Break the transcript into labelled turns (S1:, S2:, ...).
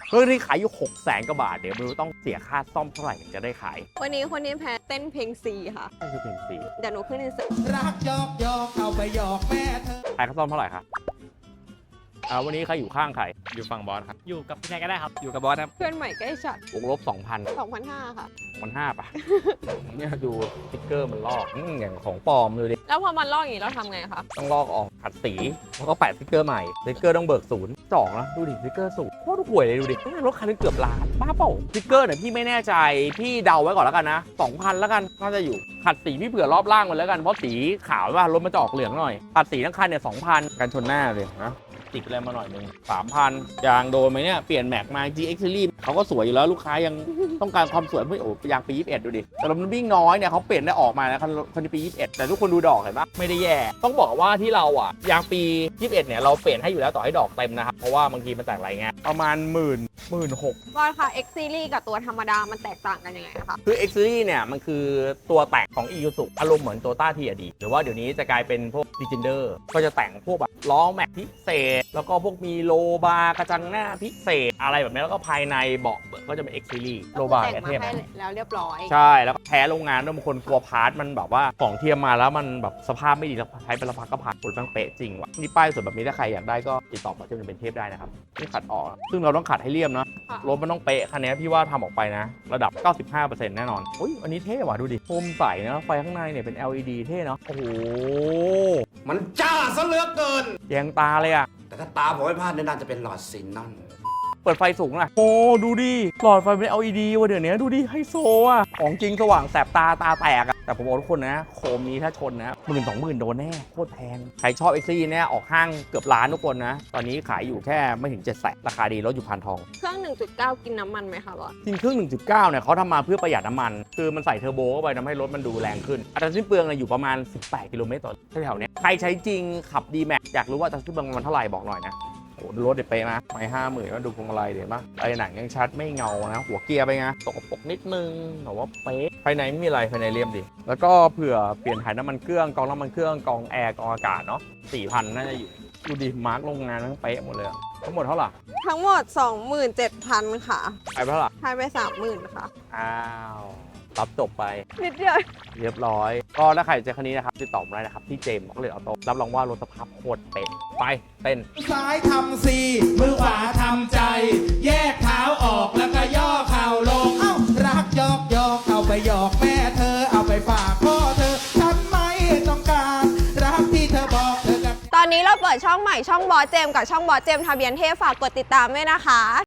S1: เครื่องนี้ขายอยู่600,000 กว่าบาทเดี๋ยวไม่รู้ต้องเสียค่าซ่อมเท่าไหร่ถึงจะได้ขาย
S2: วันนี้คนนี้แพ้เต้นเพลงซีค่ะ
S1: นั่นคือเพลงสี
S2: เดี๋ยวหนูขึ้นอินสตา
S3: รักยอกยอกเอาไปหยอกแม่เธอ
S1: ขายค่าซ่อมเท่าไหร่ครับวันนี้ใครอยู่ข้างใคร
S4: อยู่ฝั่งบอสครับ อยู่กับใครก็ได้ครับ
S5: อยู่กับบอสครับ
S2: เพื่อนใหม่ใกล้ชัด
S1: วงลบ 2,000
S2: 2,500 ค่ะ
S1: 1,500 ป่ะ เนี่ยดูสติ๊กเกอร์มันลอกอย่างของปลอมดูดิ
S2: แล้วพอมันลอกอย่างนี้เราทำไงคะ
S1: ต้องลอกออกขัดสีแล้วก็แปะสติ๊กเกอร์ใหม่สติ๊กเกอร์ต้องเบิกศูนย์จ่องนะดูดิสติ๊กเกอร์ศูนย์โคตรห่วยเลยดูดิรถคันนึงเกือบล้านบ้าเปล่าสติ๊กเกอร์เนี่ยพี่ไม่แน่ใจพี่เดาไว้ก่อนแล้วกันนะ 2,000 แล้วกันน่าจะอยู่ขัดสีพี่เผื่อรอบล่างมันแล้วกันเพราะสีขาวว่ารถมันจะออกเหลืองหน่อยขัดสีทั้งคันเนี่ย 2,000 กันชนหน้าเลยนะติดอะไรมาหน่อยนึง 3,000 ยางโดนไหมเนี่ยเปลี่ยนแม็กมา GX Series เขาก็สวยอยู่แล้วลูกค้ายังต้องการความสวยไม่โอ้ยางปี 21 ดูดิแต่มันวิ่งน้อยเนี่ยเขาเปลี่ยนได้ออกมาแล้วคันปี 21 แต่ทุกคนดูดอกเห็นปะไม่ได้แย่ต้องบอกว่าที่เราอ่ะยางปี 21 เนี่ยเราเปลี่ยนให้อยู่แล้วต่อให้ดอกเต็มนะครับเพราะว่าบางทีมันแตกหลายงานประมาณ16,000
S2: บอสค่ะ X Series กับตัวธรรมดามันแตกต่างกันยังไงคะ
S1: คือ X Series เนี่ยมันคือตัวแต่งของ Isuzu อารมณ์เหมือน Toyota TRD หรือว่าเดี๋ยวนี้จะกลายเป็นพวก Legender ก็จะแต่งพวกแบบล้อแม็กพิเศษแล้วก็พวกมีโลบาร์กระจังหน้าพิเศษอะไรแบบนี้แล้วก็ภายในเบาะก็จะเป็น X Series โลบาร์
S2: แต่งมา
S1: เทียบ
S2: ให้แล้วเรียบร้อย
S1: ใช่แล้วก็แพ้โรงงานด้วยบางคนกลัวพาร์ทมันแบบว่าของเทียมมาแล้วมันแบบสภาพไม่ดีแล้วใช้เป็นละพักก็ผ่านผลแม่งเป๊ะจริงว่ะนี่ป้ายสวยแบบนี้ถ้าใครอยากได้ก็ติดต่อมาที่มันเป็นเทพได้นะครับนี่ขัดออกซึ่งเราต้องขัดให้เรียบเนาะ
S2: ค่ะ
S1: รถมันต้องเป๊ะคันนี้พี่ว่าทำออกไปนะ ระดับ 95% แน่นอนอุ้ยอันนี้เท่ว่ะดูดิโคมใสนะไฟข้างในเนี่ยเป็น LED เท่เนาะโอ้โห
S3: มันจ้าซะเหลือเกิน
S1: แยงตาเลยอะ
S3: แต่ถ้าตาผมไม่พลาดเนี่ยน่าจะเป็นหลอดซินนอน
S1: เปิดไฟสูงนะโอ้ดูดิหลอดไฟเป็น LED ว่ะเดี๋ยวนี้ดูดิไฮโซอะของจริงสว่างแสบตาแตกอะแต่ผมบอกทุกคนนะโคมนี้ถ้าชนนะ10,000-20,000โดนแน่โคตรแพงใครชอบ X Series เนี่ยออกห้างเกือบล้านทุกคนนะตอนนี้ขายอยู่แค่ไม่ถึง700,000ราคาดีรถอยู่พันทอง
S2: เครื่อง 1.9 กินน้ำมันไหมคะบอส
S1: จริงเครื่อง 1.9 เนี่ยเขาทำมาเพื่อประหยัดน้ำมัน คือมันใส่เทอร์โบเข้าไปทำให้รถมันดูแรงขึ้น อัตราสิ้นเปลืองเนี่ยอยู่ประมาณ 18 กิโลเมตรต่อแถวๆเนี้ยใครใช้จริงขับ D-Max อยากรู้ว่าอัตราสิ้นเปลืองมันเท่าไหร่บอกหน่อยนะโอ้รถเด็ดเป๊ะนะไม่50,000ก็ดูพวงมาลัยเดี๋ยวป่ะไอ้หนังยังชัดไม่เงานะ หัวเกียร์ไปไงตกปรกนิดนึงแต่ว่าเป๊ะภายในไม่มีอะไรภายในเรียบดี แล้วก็เผื่อเปลี่ยนถ่ายน้ำมันเครื่องกองน้ำมันเครื่องกองแอร์กองอากาศเนาะ 4,000 น่าจะอยู่ดูดิมาร์กโรงงานทั้งเป๊ะหมดเลยอะทั้งหมดเท่าไหร่
S2: ทั้งหมด 27,000 ค่ะ
S1: ไปเท่าไหร่
S2: ทายไป 30,000 ค่ะ
S1: อ้าวรับจบไป
S2: นิดเดียว
S1: เรียบร้อย ก็ถ้าใครเจอคันนี้นะครับติดต่อมาได้นะครับที่เจมส์บอกเลยออโต้รับรองว่ารถสภาพโคตรเป๊ะไปเต้น
S3: ซ้ายทำซีมือขวาทำใจ แยกเท้าออกแล้วก็ย่อเข่าลง เอ้ารักยอกยอกเอาไปหยอกแม่เธอเอาไปฝากพ่อเธอฉันไม่ต้องการรักที่เธอบอกเธอกับ
S2: ตอนนี้เราเปิดช่องใหม่ช่องบอสเจมส์กับช่องบอสเจมส์ทะเบียนเทพฝากกดติดตามด้วยนะคะ